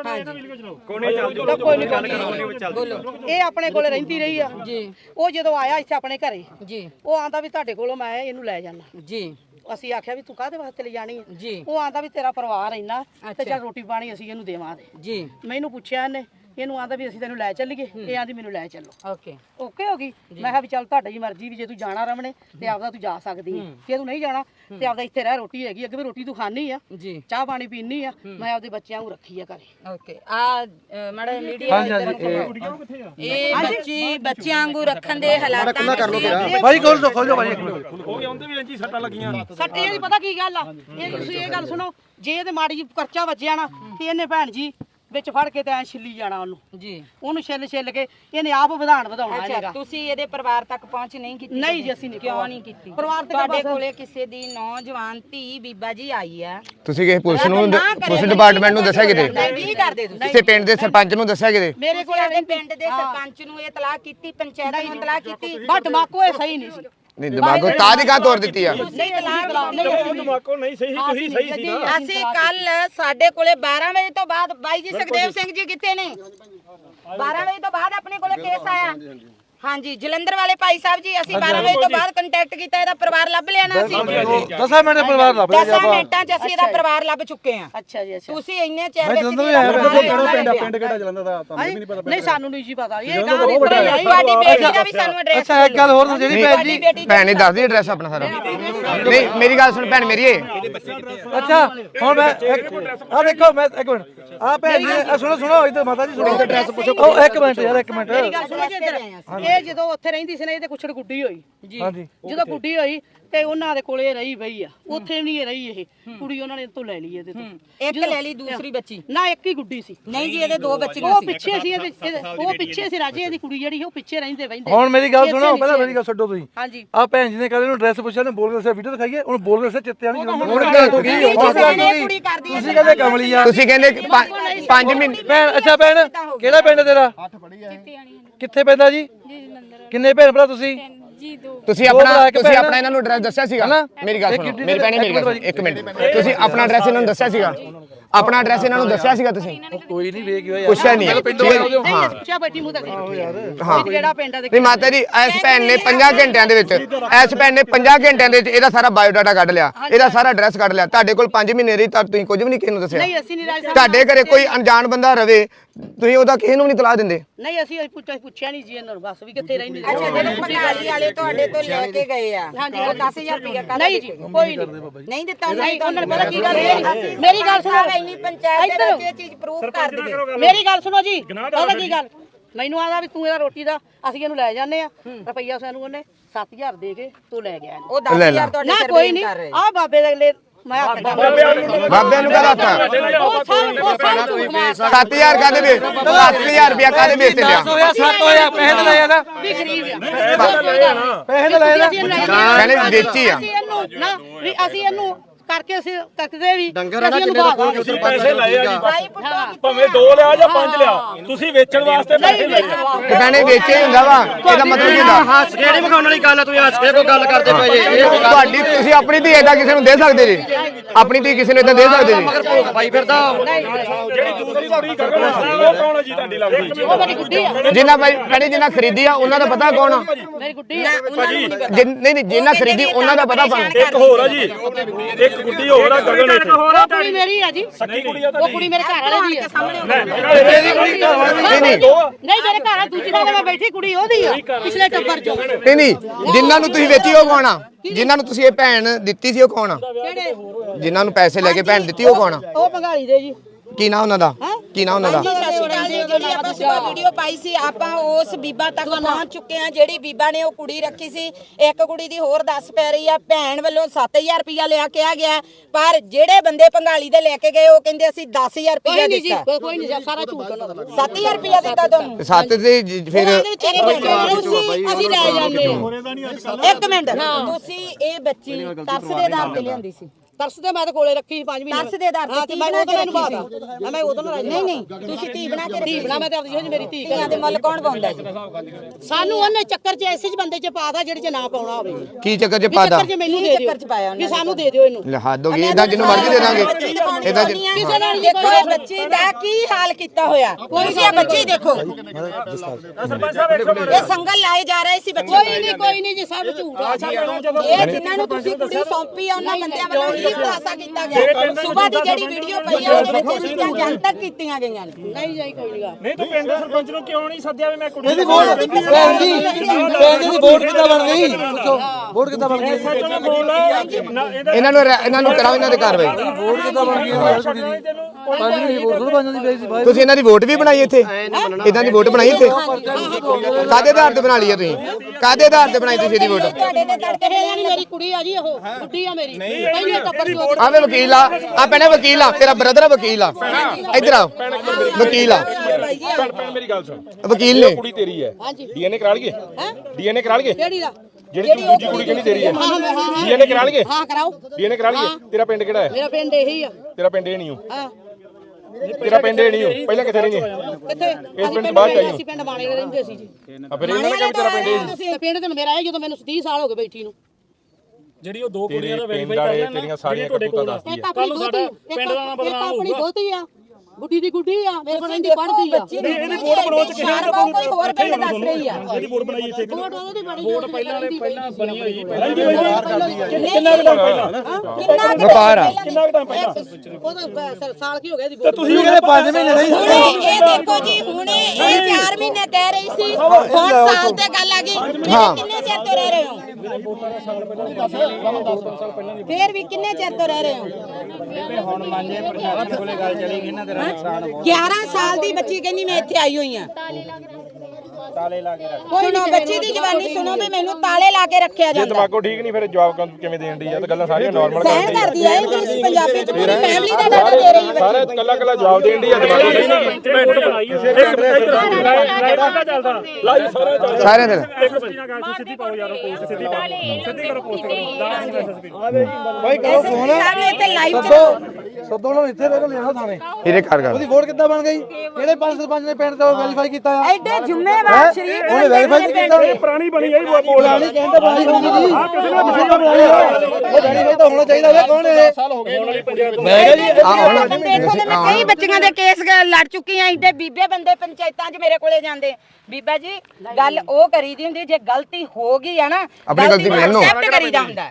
Speaker 1: ਬੋਲੋ
Speaker 2: ਇਹ ਆਪਣੇ ਕੋਲੇ ਰਹਿੰਦੀ ਰਹੀ ਆ
Speaker 1: ਜੀ
Speaker 2: ਉਹ ਜਦੋਂ ਆਇਆ ਇੱਥੇ ਆਪਣੇ ਘਰੇ
Speaker 1: ਜੀ
Speaker 2: ਉਹ ਆਂਦਾ ਵੀ ਤੁਹਾਡੇ ਕੋਲੋਂ ਮੈਂ ਇਹਨੂੰ ਲੈ ਜਾਣਾ
Speaker 1: ਜੀ
Speaker 2: ਅਸੀਂ ਆਖਿਆ ਵੀ ਤੂੰ ਕਾਹਦੇ ਵਾਸਤੇ ਲੈ ਜਾਣੀ ਹੈ
Speaker 1: ਜੀ
Speaker 2: ਉਹ ਆਂਦਾ ਵੀ ਤੇਰਾ ਪਰਿਵਾਰ ਇੰਨਾ ਤੇ ਚੱਲ ਰੋਟੀ ਪਾਣੀ ਅਸੀਂ ਇਹਨੂੰ ਦੇਵਾਂਗੇ
Speaker 1: ਜੀ
Speaker 2: ਮੈਨੂੰ ਪੁੱਛਿਆ ਇਹਨੇ ਇਹਨੂੰ ਆਂਦਾ ਵੀ ਅਸੀਂ ਤੈਨੂੰ ਲੈ ਚੱਲੀਏ ਇਹ ਆਂਦੀ ਮੈਨੂੰ ਲੈ ਚੱਲੋ
Speaker 1: ਓਕੇ
Speaker 2: ਓਕੇ ਹੋ ਗਈ ਮੈਂ ਕਿਹਾ ਵੀ ਚੱਲ ਤੁਹਾਡੀ ਮਰਜ਼ੀ ਵੀ ਜੇ ਤੂੰ ਜਾਣਾ ਰਮਣੇ ਤੇ ਆਪਦਾ ਤੂੰ ਜਾ ਸਕਦੀ ਹੈ ਜੇ ਤੂੰ ਨਹੀਂ ਜਾਣਾ ਤੇ ਆਪਦਾ ਇੱਥੇ ਰਹਿ ਰੋਟੀ ਹੈਗੀ ਅੱਗੇ ਵੀ ਰੋਟੀ ਤੂੰ ਖਾਣੀ ਆ
Speaker 1: ਜੀ ਚਾਹ
Speaker 2: ਚਾਹ ਪਾਣੀ ਪੀਣੀ ਆ ਮੈਂ ਆਪਦੇ ਬੱਚਿਆਂ ਨੂੰ ਰੱਖੀ ਆ ਘਰੇ
Speaker 1: ਓਕੇ ਆ ਮਾੜਾ ਮੀਡੀਆ ਇਹ ਬੱਚੀ ਬੱਚਿਆਂ ਵਾਂਗੂ ਰੱਖਣ ਦੇ ਹਾਲਾਤਾਂ
Speaker 4: ਭਾਈ ਖੋਲ ਦੋ ਭਾਈ
Speaker 5: ਹੋ ਗਿਆ ਉਹਦੇ ਵੀ ਇੰਜੀ ਸੱਟਾਂ ਲੱਗੀਆਂ
Speaker 2: ਸੱਟੇ ਦੀ ਪਤਾ ਕੀ ਗੱਲ ਆ ਇਹ ਤੁਸੀਂ ਇਹ ਗੱਲ ਸੁਣੋ ਜੇ ਇਹਦੇ ਮਾੜੀ ਜੀ ਕਰਚਾ ਵੱਜਿਆ ਨਾ ਤੇ ਇਹਨੇ ਭੈਣ ਜੀ ਵਿੱਚ ਫੜ ਕੇ ਤੇ ਐ ਛਿੱਲੀ ਜਾਣਾ ਉਹਨੂੰ
Speaker 1: ਜੀ
Speaker 2: ਉਹਨੂੰ ਛਿੱਲ ਕੇ ਇਹਨੇ ਆਪ ਵਧਾਉਣਾ
Speaker 1: ਅੱਛਾ ਤੁਸੀਂ ਇਹਦੇ ਪਰਿਵਾਰ ਤੱਕ ਪਹੁੰਚ ਨਹੀਂ ਕੀਤੀ
Speaker 2: ਨਹੀਂ ਜੀ ਅਸੀਂ ਨਹੀਂ
Speaker 1: ਕਿਉਂ ਨਹੀਂ ਕੀਤੀ
Speaker 2: ਪਰਿਵਾਰ ਤੇ
Speaker 1: ਤੁਹਾਡੇ ਕੋਲੇ ਕਿਸੇ ਦੀ ਨੌਜਵਾਨ ਧੀ ਬੀਬਾ ਜੀ ਆਈ ਆ
Speaker 3: ਤੁਸੀਂ ਕਿਸੇ ਪੁਲਿਸ ਨੂੰ ਪੁਲਿਸ ਡਿਪਾਰਟਮੈਂਟ ਨੂੰ ਦੱਸਿਆ ਕਿਤੇ
Speaker 1: ਕੀ ਕਰਦੇ ਤੁਸੀਂ
Speaker 3: ਕਿਸੇ ਪਿੰਡ ਦੇ ਸਰਪੰਚ ਨੂੰ ਦੱਸਿਆ ਕਿਤੇ
Speaker 1: ਮੇਰੇ ਕੋਲੇ ਪਿੰਡ ਦੇ ਸਰਪੰਚ ਨੂੰ ਇਹ ਤਲਾਕ ਕੀਤੀ ਪੰਚਾਇਤ ਨੂੰ ਤਲਾਕ ਕੀਤੀ
Speaker 2: ਬਟ ਮਾਕੋ ਇਹ ਸਹੀ ਨਹੀਂ ਸੀ
Speaker 3: ਨਹੀਂ ਦਿਮਾਗੋਂ ਤਾਂ ਦੀ ਕਾਂ ਤੋੜ ਦਿੱਤੀ ਆ
Speaker 1: ਨਹੀਂ ਤਲਾਕ ਨਹੀਂ
Speaker 5: ਦਿਮਾਗੋਂ ਨਹੀਂ ਸਹੀ ਤੁਸੀਂ ਸਹੀ ਸੀ ਨਾ
Speaker 1: ਅਸੀਂ ਕੱਲ ਸਾਡੇ ਕੋਲੇ 12 ਵਜੇ ਤੋਂ ਬਾਅਦ ਬਾਈ ਜੀ ਸੁਖਦੇਵ ਸਿੰਘ ਜੀ ਕਿੱਥੇ ਨੇ 12 ਵਜੇ ਤੋਂ ਬਾਅਦ ਆਪਣੇ ਕੋਲੇ ਕੇਸ ਆਇਆ ਹਾਂਜੀ ਜਲੰਧਰ ਵਾਲੇ ਭਾਈ ਸਾਹਿਬ ਜੀ ਅਸੀਂ 12 ਵਜੇ ਤੋਂ ਬਾਅਦ ਕੰਟੈਕਟ ਕੀਤਾ ਇਹਦਾ ਪਰਿਵਾਰ ਲੱਭ ਲੈਣਾ ਸੀ
Speaker 4: 10 ਮਿੰਟ ਪਰਿਵਾਰ ਲੱਭ
Speaker 1: 10 ਮਿੰਟਾਂ 'ਚ ਅਸੀਂ ਇਹਦਾ ਪਰਿਵਾਰ ਲੱਭ ਚੁੱਕੇ ਹਾਂ
Speaker 2: ਅੱਛਾ ਜੀ ਅੱਛਾ
Speaker 1: ਤੁਸੀਂ ਇੰਨੇ ਚਿਹਰੇ
Speaker 4: ਪਿੰਡ ਕਿਹੜਾ ਜਲੰਧਰ ਦਾ ਤੁਹਾਨੂੰ ਵੀ ਨਹੀਂ ਪਤਾ
Speaker 2: ਨਹੀਂ ਸਾਨੂੰ ਨਹੀਂ ਜੀ ਪਤਾ ਇਹ
Speaker 1: ਤੁਹਾਡੀ ਬੇਟੀ ਦਾ ਵੀ ਸਾਨੂੰ ਐਡਰੈਸ
Speaker 4: ਅੱਛਾ ਇੱਕ ਗੱਲ ਹੋਰ ਜਿਹੜੀ ਭੈਣ ਜੀ
Speaker 3: ਭੈਣ ਨੇ ਦੱਸ ਦੀ ਐਡਰੈਸ ਆਪਣਾ ਸਾਰਾ ਨਹੀਂ ਮੇਰੀ ਗੱਲ ਸੁਣ ਭੈਣ ਮੇਰੀ
Speaker 4: ਅੱਛਾ ਹੁਣ ਮੈਂ ਆ ਦੇਖੋ ਮੈਂ ਇੱਕ ਮਿੰਟ ਆ ਭੈਣ ਜੀ ਸੁਣੋ ਇੱਧਰ ਮਾਤਾ ਜੀ ਸੁਣੋ ਐਡਰੈਸ ਪੁੱਛੋ ਉਹ ਇੱਕ ਮਿੰਟ ਯਾਰ ਇੱਕ ਮਿੰਟ
Speaker 2: ਮੇਰੀ ਗੱਲ ਸੁਣੋ ਜੀ ਇੱਧਰ ਇਹ ਜਦੋਂ ਉੱਥੇ ਰਹਿੰਦੀ ਸੀ ਨਾ ਇਹਦੇ ਕੁਛੜ ਗੁੱਡੀ ਹੋਈ
Speaker 4: ਹਾਂਜੀ
Speaker 2: ਜਦੋਂ ਗੁੱਡੀ ਹੋਈ ਤੇ ਉਹਨਾਂ ਦੇ ਕੋਲੇ ਰਹੀ ਬਈ ਆ ਉੱਥੇ ਨਹੀਂ ਰਹੀ ਇਹ ਕੁੜੀ ਉਹਨਾਂ ਨੇ ਤੋਂ ਲੈ ਲਈ ਇਹਦੇ ਤੋਂ
Speaker 1: ਇੱਕ ਲੈ ਲਈ ਦੂਸਰੀ ਬੱਚੀ
Speaker 2: ਨਾ ਇੱਕ ਹੀ ਗੁੱਡੀ ਸੀ
Speaker 1: ਨਹੀਂ ਜੀ ਇਹਦੇ ਦੋ ਬੱਚੀਆਂ
Speaker 2: ਉਹ
Speaker 1: ਸੀ
Speaker 2: ਪਿੱਛੇ ਸੀ ਉਹ ਪਿੱਛੇ ਸੀ ਰਾਜੇ ਦੀ ਕੁੜੀ ਜਿਹੜੀ ਉਹ ਪਿੱਛੇ ਰਹਿੰਦੇ ਬੈਂਦੇ
Speaker 4: ਹੁਣ ਮੇਰੀ ਗੱਲ ਸੁਣੋ ਪਹਿਲਾਂ ਮੇਰੀ ਗੱਲ ਛੱਡੋ ਤੁਸੀਂ
Speaker 2: ਹਾਂਜੀ
Speaker 4: ਆ ਭੈਣ ਜੀ ਨੇ ਕੱਲ ਇਹਨੂੰ ਐਡਰੈਸ ਪੁੱਛਿਆ ਨੇ ਬੋਲ ਕੇ ਦੱਸਿਆ ਵੀਡੀਓ ਦਿਖਾਈਏ ਹੁਣ ਬੋਲ ਕੇ ਦੱਸਿਆ ਚਿੱਤੇ ਵਾਲੀ ਤੁਸੀਂ ਕਹਿੰਦੇ ਕਮਲੀ ਆ
Speaker 3: ਤੁਸੀਂ ਕਹਿੰਦੇ 5 ਮਹੀਨੇ
Speaker 4: ਭੈਣ ਅੱਛਾ ਭੈਣ ਕਿਹੜਾ ਪਿੰਡ ਤੇਰਾ ਕਿੱਥੇ ਪੈਂਦਾ ਜੀ ਕਿੰਨੇ ਭੈਣ ਭਰਾ ਤੁਸੀਂ
Speaker 3: ਤੁਸੀਂ ਆਪਣਾ ਇਹਨਾਂ ਨੂੰ ਐਡਰੈਸ ਦੱਸਿਆ ਸੀਗਾ ਮੇਰੀ ਗੱਲ ਸੁਣੋ ਮੇਰੀ ਭੈਣੇ ਮੇਰੀ ਗੱਲ ਇੱਕ ਮਿੰਟ ਤੁਸੀਂ ਆਪਣਾ ਐਡਰੈਸ ਇਹਨਾਂ ਨੂੰ ਦੱਸਿਆ ਸੀਗਾ ਆਪਣਾ ਐਡਰੈਸ ਇਹਨਾਂ ਨੂੰ ਦੱਸਿਆ ਸੀਗਾ ਤੁਸੀਂ?
Speaker 4: ਕੋਈ ਨਹੀਂ ਵੇਖ ਹੋਇਆ
Speaker 3: ਪੁੱਛਿਆ ਨਹੀਂ, ਠੀਕ ਹੈ ਜੀ? ਹਾਂ
Speaker 2: ਪੁੱਛਿਆ ਬੈਠੀ ਮੂੰਹ ਤੱਕ
Speaker 3: ਹਾਂ
Speaker 2: ਕਿਹੜਾ ਪਿੰਡ ਆ
Speaker 3: ਨਹੀਂ ਮਾਤਾ ਜੀ, ਇਸ ਭੈਣ ਨੇ 5 ਘੰਟਿਆਂ ਦੇ ਵਿੱਚ ਦੇ ਵਿੱਚ ਇਹਦਾ ਸਾਰਾ ਬਾਇਓਡਾਟਾ ਕੱਢ ਲਿਆ, ਇਹਦਾ ਸਾਰਾ ਐਡਰੈਸ ਕੱਢ ਲਿਆ। ਤੁਹਾਡੇ ਕੋਲ 5 ਮਹੀਨੇ ਰਹੀ ਤਾਂ ਤੁਸੀਂ ਕੁਝ ਵੀ ਨਹੀਂ ਕਿਸੇ ਨੂੰ ਦੱਸਿਆ?
Speaker 2: ਨਹੀਂ ਅਸੀਂ ਨਹੀਂ ਰਾਜ ਸਾਹਿਬ
Speaker 3: ਤੁਹਾਡੇ ਘਰੇ ਕੋਈ ਅਣਜਾਣ ਬੰਦਾ ਰਵੇ, ਤੁਸੀਂ ਉਹਦਾ ਕਿਸੇ ਨੂੰ ਨਹੀਂ ਤਲਾਹ ਦਿੰਦੇ?
Speaker 2: ਨਹੀਂ ਅਸੀਂ ਪੁੱਛਿਆ ਨਹੀਂ ਜੀ ਇਹਨਾਂ ਨੂੰ, ਬਸ ਵੀ ਕਿੱਥੇ ਰਹਿੰਦੇ
Speaker 1: ਅੱਛਾ ਜਿਹੜੇ ਪੰਗਾਲੀ ਵਾਲੇ ਤੁਹਾਡੇ ਤੋਂ ਲੈ ਕੇ ਗਏ ਆ ਉਹ 10000 ਰੁਪਇਆ ਕਰ
Speaker 2: ਨਹੀਂ ਜੀ ਕੋਈ
Speaker 1: ਨਹੀਂ ਦਿੱਤਾ
Speaker 2: ਨਹੀਂ ਉਹਨਾਂ ਨੇ ਪਤਾ ਕੀ ਗੱਲ ਮੇਰੀ ਗੱਲ ਸੁਣੋ
Speaker 1: ਇੰਨੀ ਪੰਚਾਇਤ ਦੇ ਵਿੱਚ ਇਹ ਚੀਜ਼ ਪ੍ਰੂਫ ਕਰ ਦਈਏ।
Speaker 2: ਮੇਰੀ ਗੱਲ ਸੁਣੋ ਜੀ ਪਤਾ ਕੀ ਗੱਲ ਮੈਨੂੰ ਆਦਾ ਵੀ ਤੂੰ ਇਹਦਾ ਰੋਟੀ ਦਾ ਅਸੀਂ ਇਹਨੂੰ ਲੈ ਜਾਂਦੇ ਆ ਰੁਪਈਆ ਸਾਨੂੰ ਉਹਨੇ 7000 ਦੇ ਕੇ ਤੂੰ ਲੈ ਗਿਆ
Speaker 1: ਉਹ 10000 ਤੁਹਾਡੇ
Speaker 2: ਨਾ
Speaker 1: ਸਿਰ
Speaker 2: ਕੋਈ
Speaker 1: ਤੇ
Speaker 2: ਨਹੀਂ
Speaker 1: ਕਰ ਰਹੇ
Speaker 2: ਆ ਬਾਬੇ ਦੇ ਅਗਲੇ ਮੈਂ ਹੱਥ
Speaker 3: ਬਾਬਿਆਂ ਨੂੰ ਕਹਦਾ ਤਾ
Speaker 2: ਉਹ ਸਭ ਝੂਠ ਮਾਰਦਾ
Speaker 3: 7000 ਕਾਦੇ ਵੇ 7000 ਰੁਪਇਆ ਕਾਦੇ ਵੇਚ ਲਿਆ?
Speaker 4: 7 ਹੋਇਆ ਪੈਸੇ ਤੇ ਲਏ ਦਾ
Speaker 2: ਵੀ ਗਰੀਬ ਆ
Speaker 4: ਪੈਸੇ ਤੇ ਲਏ ਦਾ
Speaker 3: ਕਹਿੰਦੇ ਵੇਚੀ ਆ।
Speaker 2: ਅਸੀਂ ਇਹਨੂੰ ਨਾ ਵੀ ਅਸੀਂ ਇਹਨੂੰ ਕਰਕੇ ਅਸੀਂ ਤੱਕਦੇ ਵੀ ਅਸੀਂ ਇਹਨੂੰ ਬਾਹਰ
Speaker 5: ਤੁਸੀਂ ਪੈਸੇ ਲਏ ਆ ਜੀ
Speaker 1: ਭਾਈ ਪੁੱਟੋ
Speaker 5: ਭਾਵੇਂ 2 ਲਿਆ ਜਾਂ 5 ਲਿਆ, ਤੁਸੀਂ ਵੇਚਣ ਵਾਸਤੇ ਪੈਸੇ ਲਏ।
Speaker 3: ਤੇ ਕਹਿੰਦੇ ਵੇਚੇ ਹੁੰਦਾ ਵਾ, ਇਹਦਾ ਮਤਲਬ ਕੀ ਹੁੰਦਾ?
Speaker 6: ਹੱਸ ਕੇ ਨਹੀਂ ਵਿਖਾਉਣ ਵਾਲੀ ਗੱਲ ਆ, ਤੁਸੀਂ ਹੱਸ ਕੇ ਕੋਈ ਗੱਲ ਕਰਦੇ ਪਏ ਜੇ।
Speaker 3: ਤੁਹਾਡੀ ਤੁਸੀਂ ਆਪਣੀ ਧੀ ਏਦਾਂ ਕਿਸੇ ਨੂੰ ਦੇ ਸਕਦੇ ਜੀ? ਆਪਣੀ ਧੀ ਕਿਸੇ ਨੂੰ ਏਦਾਂ ਦੇ ਸਕਦੇ ਜੀ?
Speaker 6: ਮਗਰ ਭੋਗ ਪਾਈ ਫਿਰਦਾ।
Speaker 5: ਜਿਹੜੀ ਦੂਸਰੀ ਕੁੜੀ ਕਰਨਾ ਉਹ ਕੌਣ ਹੈ ਜੀ ਤੁਹਾਡੀ ਲੱਗਦੀ?
Speaker 2: ਉਹ ਮੇਰੀ ਗੁੱਡੀ ਆ
Speaker 3: ਜਿੰਨਾ ਭਾਈ ਕਹਿੰਦੇ ਜਿੰਨਾ ਖਰੀਦੀ ਆ ਉਹਨਾਂ ਦਾ ਪਤਾ ਕੌਣ ਆ?
Speaker 2: ਮੇਰੀ ਗੁੱਡੀ ਆ
Speaker 3: ਨਹੀਂ ਜਿੰਨਾ ਖਰੀਦੀ ਉਹਨਾਂ ਦਾ ਪਤਾ ਤੁਹਾਨੂੰ?
Speaker 5: ਇੱਕ ਹੋਰ ਆ ਜੀ, ਇੱਕ ਗੁੱਡੀ ਹੋਰ ਆ ਗਗਨ ਇੱਥੇ।
Speaker 2: ਉਹ ਕੁੜੀ ਮੇਰੀ ਆ ਜੀ
Speaker 5: ਸੱਕੀ ਕੁੜੀ ਆ
Speaker 2: ਉਹ ਕੁੜੀ ਮੇਰੇ ਘਰ ਵਾਲੇ ਦੀ ਆ
Speaker 3: ਨਹੀਂ
Speaker 2: ਨਹੀਂ ਮੇਰੇ ਘਰ ਆ ਦੂਜੀ ਨਾਲ ਮੈਂ ਬੈਠੀ ਕੁੜੀ ਉਹਦੀ ਆ ਪਿਛਲੇ ਟੱਬਰ ਚੋਂ
Speaker 3: ਨਹੀਂ ਜਿਨ੍ਹਾਂ ਨੂੰ ਤੁਸੀਂ ਵੇਚੀ ਉਹ ਕੌਣ ਆ? ਜਿਨ੍ਹਾਂ ਨੂੰ ਤੁਸੀਂ ਇਹ ਭੈਣ ਦਿੱਤੀ ਸੀ ਉਹ ਕੌਣ ਆ?
Speaker 2: ਕਿਹੜੇ
Speaker 3: ਜਿਨ੍ਹਾਂ ਨੂੰ ਪੈਸੇ ਲੈ ਕੇ ਭੈਣ ਦਿੱਤੀ ਉਹ ਕੌਣ ਆ?
Speaker 2: ਉਹ ਭੰਗਾਲੀ ਦੇ ਜੀ
Speaker 3: ਕੀ ਨਾਂ ਉਹਨਾਂ ਦਾ? ਕੀ ਨਾਂ ਉਹਨਾਂ ਦਾ?
Speaker 1: ਸਤਿ ਸ਼੍ਰੀ ਅਕਾਲ ਜੀ। ਜਿਹੜੀ ਆਪਾਂ ਸੁਬਾ ਵੀਡੀਓ ਪਾਈ ਸੀ ਆਪਾਂ ਉਸ ਬੀਬਾ ਤੱਕ ਪਹੁੰਚ ਚੁੱਕੇ ਆ ਜਿਹੜੀ ਬੀਬਾ ਨੇ ਉਹ ਕੁੜੀ ਰੱਖੀ ਸੀ। ਇੱਕ ਕੁੜੀ ਦੀ ਹੋਰ ਦੱਸ ਪੈ ਰਹੀ ਆ ਭੈਣ ਵੱਲੋਂ 7000 ਰੁਪਇਆ ਲਿਆ ਕਿਹਾ ਗਿਆ, ਪਰ ਜਿਹੜੇ ਬੰਦੇ ਪੰਗਾਲੀ ਦੇ ਲੈ ਕੇ ਗਏ ਉਹ ਕਹਿੰਦੇ ਅਸੀਂ 10000 ਰੁਪਇਆ ਦਿੱਤਾ।
Speaker 2: ਕੋਈ ਨਹੀਂ ਸਾਰਾ ਝੂਠ ਉਹਨਾਂ ਦਾ
Speaker 1: 7000 ਰੁਪਇਆ ਦਿੱਤਾ ਤੁਹਾਨੂੰ?
Speaker 3: ਸੱਤ ਤੇ ਫਿਰ
Speaker 2: ਅਸੀਂ ਲੈ ਜਾਂਦੇ ਆ
Speaker 1: ਇੱਕ ਮਿੰਟ, ਤੁਸੀਂ ਇਹ ਬੱਚੀ ਤਰਸ ਦੇ ਆਧਾਰ ਤੇ ਲਿਆਂਦੀ ਸੀ?
Speaker 2: ਤਰਸ ਤੇ ਮੈਂ ਤਾਂ ਕੋਲੇ ਰੱਖੀ 5 ਮਹੀਨੇ
Speaker 1: ਤਰਸ ਦੇ ਆਧਾਰ ਤੇ
Speaker 2: ਤੇ ਮੈਂ ਉਦੋਂ ਮੈਨੂੰ ਬਾਤਾ ਮੈਂ ਉਦੋਂ ਨਾ
Speaker 1: ਨਹੀਂ ਨਹੀਂ ਤੁਸੀਂ ਧੀ ਬਣਾ ਕੇ ਰੱਖੀ
Speaker 2: ਬਣਾ ਮੈਂ ਤੇ ਆਪਦੀ ਮੇਰੀ ਧੀ
Speaker 1: ਧੀਆਂ ਦੇ ਮੁੱਲ ਕੌਣ ਪਾਉਂਦਾ ਜੀ?
Speaker 2: ਸਾਨੂੰ ਉਹਨੇ ਚੱਕਰ 'ਚ ਐਸੇ ਚ ਬੰਦੇ 'ਚ ਪਾਤਾ ਜਿਹੜੇ 'ਚ ਨਾ ਪਾਉਣਾ ਹੋਵੇ
Speaker 3: ਕੀ ਚੱਕਰ ਚ ਪਾਦਾ?
Speaker 2: ਚੱਕਰ 'ਚ ਮੈਨੂੰ ਦੇ ਦਿਓ
Speaker 1: ਚੱਕਰ 'ਚ ਪਾਇਆ
Speaker 2: ਕਿ ਸਾਨੂੰ ਦੇ ਦਿਓ ਇਹਨੂੰ
Speaker 3: ਲੈ ਹੱਦ ਹੋ ਗਈ, ਇਦਾਂ ਜਿਹਨੂੰ ਮਰਜ਼ੀ ਦੇ ਦਾਂਗੇ ਇਦਾਂ
Speaker 1: ਕਿਸੇ ਨਾਲ ਦੇਖੋ ਇਹ ਬੱਚੀ ਦਾ ਕੀ ਹਾਲ ਕੀਤਾ ਹੋਇਆ। ਤੁਸੀਂ ਇਹ ਬੱਚੀ ਦੇਖੋ, ਇਹ ਸੰਗਲ ਲਾਏ ਜਾ ਰਹੇ ਸੀ ਬੱਚੇ।
Speaker 2: ਕੋਈ ਨਹੀਂ ਜੀ ਸਭ ਝੂਠ ਆ
Speaker 1: ਇਹ ਜਿਨ੍ਹਾਂ ਨੂੰ ਤੁਸੀਂ ਕੁੜੀ ਸੌਂਪੀ ਆ ਉਹਨਾਂ ਬੰਦਿਆਂ ਵੱਲੋਂ ਹੀ ਖੁਲਾਸਾ ਕੀਤਾ ਗਿਆ। ਸੁਬਾ ਦੀ ਜਿਹੜੀ ਵੀਡੀਓ ਪਈ ਆ ਉਹਦੇ ਵਿੱਚ ਇਹ ਚੀਜ਼ਾਂ ਜਨਤਕ ਕੀਤੀਆਂ ਗਈਆਂ ਨੇ।
Speaker 2: ਨਹੀਂ ਜਾਈ ਕੋਈ ਨਹੀਂ
Speaker 5: ਨਹੀਂ ਤੂੰ ਪਿੰਡ ਦੇ ਸਰਪੰਚ ਨੂੰ ਕਿਉਂ ਨਹੀਂ ਸੱਦਿਆ ਵੀ ਮੈਂ ਕੁੜੀ
Speaker 4: ਇਹਦੀ ਵੋਟ ਭੈਣ ਜੀ ਦੀ ਵੋਟ ਕਿੱਦਾਂ ਬਣ ਗਈ? ਪੁੱਛੋ ਵੋਟ ਕਿੱਦਾਂ ਬਣ ਗਈ?
Speaker 5: ਸੱਚ ਨੂੰ ਬੋਲ
Speaker 3: ਇਹਨਾਂ ਨੂੰ ਕਰਾਓ ਇਹਨਾਂ ਦੇ ਕਾਰਵਾਈ।
Speaker 4: ਵੋਟ ਕਿੱਦਾਂ ਬਣ ਗਈ ਯਾਰ ਕੁੜੀ ਦੀ? 5 ਮਹੀਨੇ ਵੋਟ ਥੋੜਾ ਬਣ ਜਾਂਦੀ ਪਈ ਸੀ ਭਾਈ।
Speaker 3: ਤੁਸੀਂ ਇਹਨਾਂ ਦੀ ਵੋਟ ਵੀ ਬਣਾਈ ਇੱਥੇ? ਇਦਾਂ ਦੀ ਵੋਟ ਬਣਾਈ ਇੱਥੇ? ਕਾਦੇ ਆਧਾਰ ਤੇ ਬਣਾ ਲਈ ਆ ਤੁਸੀਂ? ਕਾਦੇ ਆਧਾਰ ਤੇ ਬਣਾਈ ਤੁਸੀਂ ਇਹਦੀ ਵੋਟ?
Speaker 1: ਤੁਹਾਡੇ ਦੇ ਤੜਕੇ
Speaker 2: ਇਹ ਨਹੀਂ ਮੇਰੀ ਕੁੜੀ ਆ ਜੀ ਉਹ ਗੁੱਡੀ ਆ ਮੇਰੀ ਪਹਿਲੇ ਟੱਬਰ ਚੋਂ
Speaker 3: ਆਵੇ ਵਕੀਲ ਆ ਭੈਣੇ ਵਕੀਲ ਆ, ਤੇਰਾ ਬ੍ਰਦਰ ਵਕੀਲ ਆ, ਇੱਧਰ ਆ ਵਕੀਲ ਆ,
Speaker 5: ਭੈਣ ਮੇਰੀ ਗੱਲ ਸੁਣ,
Speaker 3: ਵਕੀਲ ਨੇ।
Speaker 5: ਕੁੜੀ ਤੇਰੀ ਹੈ,
Speaker 2: ਹਾਂਜੀ
Speaker 5: ਡੀਐਨਏ ਕਰਾ ਲਈਏ? ਡੀਐਨਏ ਕਰਾ ਲਈਏ?
Speaker 2: ਕਿਹੜੀ ਦਾ
Speaker 5: ਜਿਹੜੀ ਤੂੰ ਦੂਜੀ ਕੁੜੀ ਕਹਿੰਦੀ ਤੇਰੀ ਹੈ, ਡੀਐਨਏ ਕਰਾ ਲਈਏ?
Speaker 2: ਹਾਂ ਕਰਾਓ
Speaker 5: ਡੀਐਨਏ ਕਰਾ ਲਈਏ? ਤੇਰਾ ਪਿੰਡ ਕਿਹੜਾ ਹੈ?
Speaker 2: ਮੇਰਾ ਪਿੰਡ ਇਹੀ ਆ
Speaker 5: ਤੇਰਾ ਪਿੰਡ ਇਹ ਨਹੀਂ ਹੋ,
Speaker 2: ਹਾਂ
Speaker 5: ਤੇਰਾ ਪਿੰਡ ਇਹ ਨਹੀਂ ਹੋ, ਪਹਿਲਾਂ ਕਿੱਥੇ ਰਹਿੰਦੇ?
Speaker 2: ਕਿੱਥੇ
Speaker 5: ਇਸ ਪਿੰਡ ਬਾਅਦ ਚ ਆਈ ਹੋ?
Speaker 2: ਅਸੀਂ ਪਿੰਡ ਬਾਣੇ ਦੇ ਰਹਿੰਦੇ ਸੀ ਜੀ
Speaker 5: ਆ ਫਿਰ ਇਹਨਾਂ ਨੇ ਕਿਹਾ ਵੀ ਤੇਰਾ ਪਿੰਡ ਇਹ ਨਹੀਂ।
Speaker 2: ਤੇ ਪਿੰਡ ਤੇ ਮੇਰਾ ਹੈ ਜਦੋਂ ਮੈਨੂੰ 30 ਸਾਲ ਹੋ ਗਏ ਬੈਠੀ ਨੂੰ
Speaker 5: ਜਿਹੜੀ ਉਹ 2 ਕੁੜੀਆਂ ਦਾ ਵੈਰੀਫਾਈ ਕਰ ਲੈਣਾ, ਤੇਰੀਆਂ ਸਾਰੀਆਂ ਕਰਤੂਤਾਂ ਦੱਸਦੀ
Speaker 2: ਇੱਕ ਆਪਣੀ ਦੋਤੀ ਪਿੰਡ ਦਾ ਨਾਮ ਬਦਨਾਮ ਹੋਊਗਾ। ਆਪਣੀ ਦੋਤੀ ਆ ਗੁੱਡੀ ਦੀ ਗੁੱਡੀ ਆ ਮੇਰੇ ਕੋਲ ਰਹਿੰਦੀ ਪੜਦੀ ਆ
Speaker 1: ਇਹਦੀ ਵੋਟ ਬਣਾਉਣ ਚ ਕਿਹਾ ਤਾਂ ਕੋਈ ਹੋਰ ਪਿੰਡ ਦੱਸ ਰਹੀ ਆ।
Speaker 5: ਇਹਦੀ ਵੋਟ ਬਣਾਈ ਇੱਥੇ
Speaker 2: ਵੋਟ ਉਹਦੀ ਬਣੀ ਵੋਟ
Speaker 5: ਪਹਿਲਾਂ ਬਣੀ ਹੋਈ ਕਿੰਨਾ ਟਾਈਮ ਪਹਿਲਾਂ
Speaker 3: ਵਪਾਰ ਆ।
Speaker 5: ਕਿੰਨਾ ਟਾਈਮ ਪਹਿਲਾਂ
Speaker 2: ਉਹਦਾ ਸਾਲ ਕੀ ਹੋ ਗਿਆ ਦੀ ਵੋਟ
Speaker 4: ਤੁਸੀਂ ਕਹਿੰਦੇ 5 ਮਹੀਨੇ ਨਹੀਂ
Speaker 1: ਇਹ ਦੇਖੋ ਜੀ ਹੁਣੇ ਇਹ 4 ਮਹੀਨੇ ਕਹਿ ਰਹੀ ਸੀ ਹੁਣ ਸਾਲ ਤੇ ਗੱਲ ਆ ਗਈ। ਕਿੰਨੇ ਚਿਰ ਤੋਂ ਰਹਿ ਰਹੇ ਹੋ? ਫੇਰ ਵੀ ਕਿੰਨੇ ਚਿਰ ਤੋਂ ਰਹਿ ਰਹੇ ਹੋ?
Speaker 6: ਹੁਣ ਮਾਂਜੇ ਪ੍ਰਸ਼ਾਸਨ ਕੋਲੇ ਗੱਲ ਚਲੀ ਗਈ ਨਾ, ਤੇਰਾ ਨੁਕਸਾਨ ਹੋ
Speaker 1: 11 ਸਾਲ ਦੀ ਬੱਚੀ ਕਹਿੰਦੀ ਮੈਂ ਇੱਥੇ ਆਈ ਹੋਈ ਆ।
Speaker 6: ਤਾਲੇ ਲਾ ਕੇ ਰੱਖ।
Speaker 1: ਸੁਣੋ ਬੱਚੀ ਦੀ ਜਵਾਨੀ ਸੁਣੋ ਵੀ ਮੈਨੂੰ ਤਾਲੇ ਲਾ ਕੇ ਰੱਖਿਆ
Speaker 5: ਜੇ
Speaker 1: ਜਾਂਦਾ।
Speaker 5: ਦਿਮਾਗੋ ਠੀਕ ਨਹੀਂ ਫਿਰ ਜਵਾਬ ਕਿਵੇਂ ਦੇਣ ਦੀ ਆ? ਤਾਂ ਗੱਲਾਂ ਸਾਰੀਆਂ ਨਾਰਮਲ
Speaker 1: ਸਹਿਣ ਕਰਦੀ ਆ ਇੰਗਲਿਸ਼ ਪੰਜਾਬੀ ਚ ਪੂਰੀ ਫੈਮਿਲੀ ਦਾ ਡਾਟਾ ਦੇ ਰਹੀ ਹੈ।
Speaker 5: ਸਾਰੇ ਕੱਲਾ ਕੱਲਾ ਜਵਾਬ ਦੇਣ ਦੀ ਆ, ਦਿਮਾਗੋ ਸਹੀ ਨਹੀਂ ਵੋਟ ਬਣਾਈ ਚੱਲਦਾ ਲਾਈਵ ਸਾਰਾ ਚੱਲਦਾ
Speaker 3: ਸਾਰਿਆਂ ਦੇ
Speaker 5: ਇੱਕ ਬੱਚੀ ਨਾਲ ਗੱਲ ਸਿੱਧੀ ਪਾਓ ਯਾਰ, ਪੋਸਟ ਸਿੱਧੀ ਪਾਓ, ਸਿੱਧੀ ਕਰੋ ਪੋਸਟ ਕਰੋ।
Speaker 4: ਭਾਈ ਕਰੋ ਫੋਨ
Speaker 1: ਸਾਹਮਣੇ ਇੱਥੇ ਲਾਈਵ ਚ
Speaker 4: ਸੱਦੋ ਨੂੰ ਇੱਥੇ ਵੇਖ ਲਿਆ ਥਾਣੇ।
Speaker 3: ਇਹਦੇ ਘਰ ਕਰ
Speaker 4: ਉਹਦੀ ਵੋਟ ਕਿੱਦਾਂ ਬਣ ਗਈ? ਕਿਹੜੇ ਪੰਜ ਸਰਪੰਚ ਨੇ ਪਿੰਡ ਤੋਂ ਵੈਰੀਫਾਈ ਕੀਤਾ ਆ?
Speaker 1: ਐਡੇ ਜ਼ਿੰਮੇਵਾਰ ਸ਼ਰੀਫ
Speaker 4: ਉਹਨੇ ਵੈਰੀਫਾਈ ਕੀਤਾ?
Speaker 5: ਪੁਰਾਣੀ ਬਣੀ ਆਈ ਬੋਲ
Speaker 4: ਪੁਰਾਣੀ ਕਹਿੰਦੇ ਬਣੀ ਹੋਊਗੀ ਜੀ। ਕਿਸੇ ਨੇ ਬਣਾਈ ਆ। ਉਹ ਵੈਰੀਫਾਈ ਤਾਂ ਹੋਣਾ ਚਾਹੀਦਾ ਵੇ ਕੌਣ ਹੈ ਮੈਂ ਕਿਹਾ ਜੀ
Speaker 1: ਦੇਖੋ ਤੇ ਮੈਂ ਕਈ ਬੱਚੀਆਂ ਦੇ ਕੇਸ ਲੜ ਚੁੱਕੀ ਆਂ ਇੱਥੇ ਬੀਬੇ ਬੰਦੇ ਪੰਚਾਇਤਾਂ 'ਚ ਮੇਰੇ ਕੋਲੇ ਜਾਂਦੇ ਬੀਬਾ ਜੀ ਗੱਲ ਉਹ ਕਰੀਦੀ ਹੁੰਦੀ ਜੇ ਗਲਤੀ ਹੋ ਗਈ ਆ ਨਾ
Speaker 3: ਆਪਣੀ ਗਲਤੀ ਮੰਨੋ
Speaker 1: ਐਕਸੈਪਟ ਕਰੀਦਾ ਹੁੰਦਾ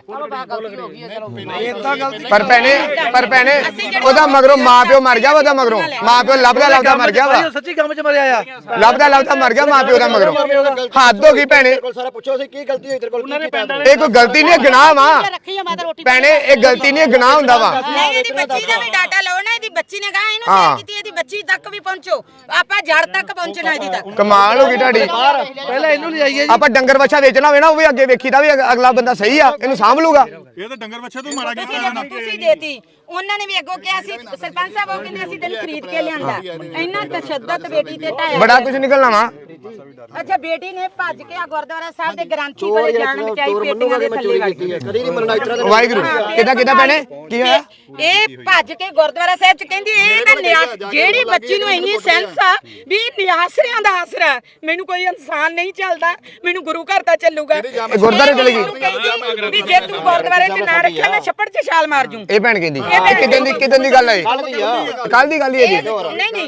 Speaker 3: ਪਰ ਭੈਣੇ ਉਹਦਾ ਮਗਰੋਂ ਮਾਂ ਪਿਓ ਮਰ ਗਿਆ ਉਹਦਾ ਮਗਰੋਂ ਮਾਂ ਪਿਓ ਲੱਭਦਾ ਮਰ ਗਿਆ ਵਾ
Speaker 4: ਸੱਚੀ ਕੰਮ 'ਚ ਮਰਿਆ ਆ
Speaker 3: ਲੱਭਦਾ ਮਰ ਗਿਆ ਮਾਂ ਪਿਓ ਦਾ ਮਗਰੋਂ ਹੱਦ ਹੋ ਗਈ ਭੈਣੇ
Speaker 6: ਸਾਰਾ ਪੁੱਛੋ ਸੀ ਕੀ ਗਲਤੀ ਹੋਈ ਤੇਰੇ ਕੋਲ
Speaker 3: ਇਹ ਕੋਈ ਗਲਤੀ ਨਹੀਂ ਗੁਨਾਹ ਵਾ ਭੈਣੇ ਇਹ ਗਲਤੀ ਨਹੀਂ ਗੁਨਾਹ ਹੁੰਦਾ ਵਾ
Speaker 1: ਨਹੀਂ ਇਹਦੀ ਬੱਚੀ ਦਾ ਵੀ ਡਾਟਾ ਲਓ ਨਾ ਇਹਦੀ ਬੱਚੀ ਨੇ ਕਹਾ ਇਹਨੂੰ ਸ਼ੇਅਰ ਕੀਤੀ ਇਹਦੀ ਬੱਚੀ ਤੱਕ ਵੀ ਪਹੁੰਚੋ ਆਪਾਂ ਜੜ ਤੱਕ ਪਹੁੰਚਣਾ ਇਹਦੀ ਤੱਕ
Speaker 3: ਕਮਾਲ ਹੋ ਗਈ ਤੁਹਾਡੀ
Speaker 4: ਪਹਿਲਾਂ ਇਹਨੂੰ ਲਿਆਈਏ
Speaker 3: ਆਪਾਂ ਡੰਗਰ ਵੱਛਾ ਵੇਚਣਾ ਹੋਵੇ ਨਾ ਉਹ ਵੀ ਅੱਗੇ ਵੇਖੀਦਾ ਵੀ ਅਗਲਾ ਬੰਦਾ ਸਹੀ ਆ ਇਹਨੂੰ ਸਾਂਭ ਲੂਗਾ
Speaker 7: ਇਹ ਤਾਂ ਡੰਗਰ ਬੱਚੇ ਤੋਂ ਮਾੜਾ ਕੀਤਾ
Speaker 1: ਤੁਸੀਂ ਦੇਤੀ ਉਹਨਾਂ ਨੇ ਵੀ ਅੱਗੋਂ ਕਿਹਾ ਸੀ ਸਰਪੰਚ ਸਾਹਿਬ ਉਹ ਕਹਿੰਦੇ ਅਸੀਂ ਤੈਨੂੰ ਖਰੀਦ ਕੇ ਲਿਆਂਦਾ ਇੰਨਾ ਤਸ਼ੱਦਦ ਬੇਟੀ ਤੇ ਢਾਇਆ
Speaker 3: ਬੜਾ ਕੁਝ ਨਿਕਲਣਾ ਵਾ
Speaker 1: ਅੱਛਾ ਬੇਟੀ ਨੇ ਭੱਜ ਕੇ ਆ ਗੁਰਦੁਆਰਾ ਸਾਹਿਬ ਦੇ ਗ੍ਰੰਥੀ ਕੋਲੇ ਜਾਣ ਬਚਾਈ ਪੇਟੀਆਂ ਦੇ ਥੱਲੇ ਵੜ ਗਈ
Speaker 6: ਕਦੀ ਨਹੀਂ ਮੰਨਣਾ ਇਤਰਾ
Speaker 3: ਵਾਹਿਗੁਰੂ ਕਿੱਦਾਂ ਭੈਣੇ ਕੀ ਹੋਇਆ
Speaker 1: ਇਹ ਭੱਜ ਕੇ ਗੁਰਦੁਆਰਾ ਸਾਹਿਬ ਚ ਕਹਿੰਦੀ ਇਹ ਤਾਂ ਨਿਆਸ ਜਿਹੜੀ ਬੱਚੀ ਨੂੰ ਇੰਨੀ ਸੈਂਸ ਆ ਵੀ ਨਿਆਸਰਿਆਂ ਦਾ ਆਸਰਾ ਮੈਨੂੰ ਕੋਈ ਇਨਸਾਨ ਨਹੀਂ ਚੱਲਦਾ ਮੈਨੂੰ ਗੁਰੂ ਘਰ ਤਾਂ ਚੱਲੂਗਾ
Speaker 3: ਇਹ ਗੁਰਦੁਆਰੇ ਚਲੇ ਗਈ
Speaker 1: ਕਹਿੰਦੀ ਵੀ ਜੇ ਤੂੰ ਗੁਰਦੁਆਰੇ ਚ ਨਾ ਰੱਖਿਆ ਮੈਂ ਛੱਪੜ ਚ ਛਾਲ ਮਾਰ ਜੂ
Speaker 3: ਇਹ ਭੈਣ ਕਹਿੰਦੀ ਕਿਦਾਂ ਦੀ ਗੱਲ ਹੈ ਕੱਲ ਦੀ ਗੱਲ ਹੀ ਹੈ ਜੀ
Speaker 1: ਨਹੀਂ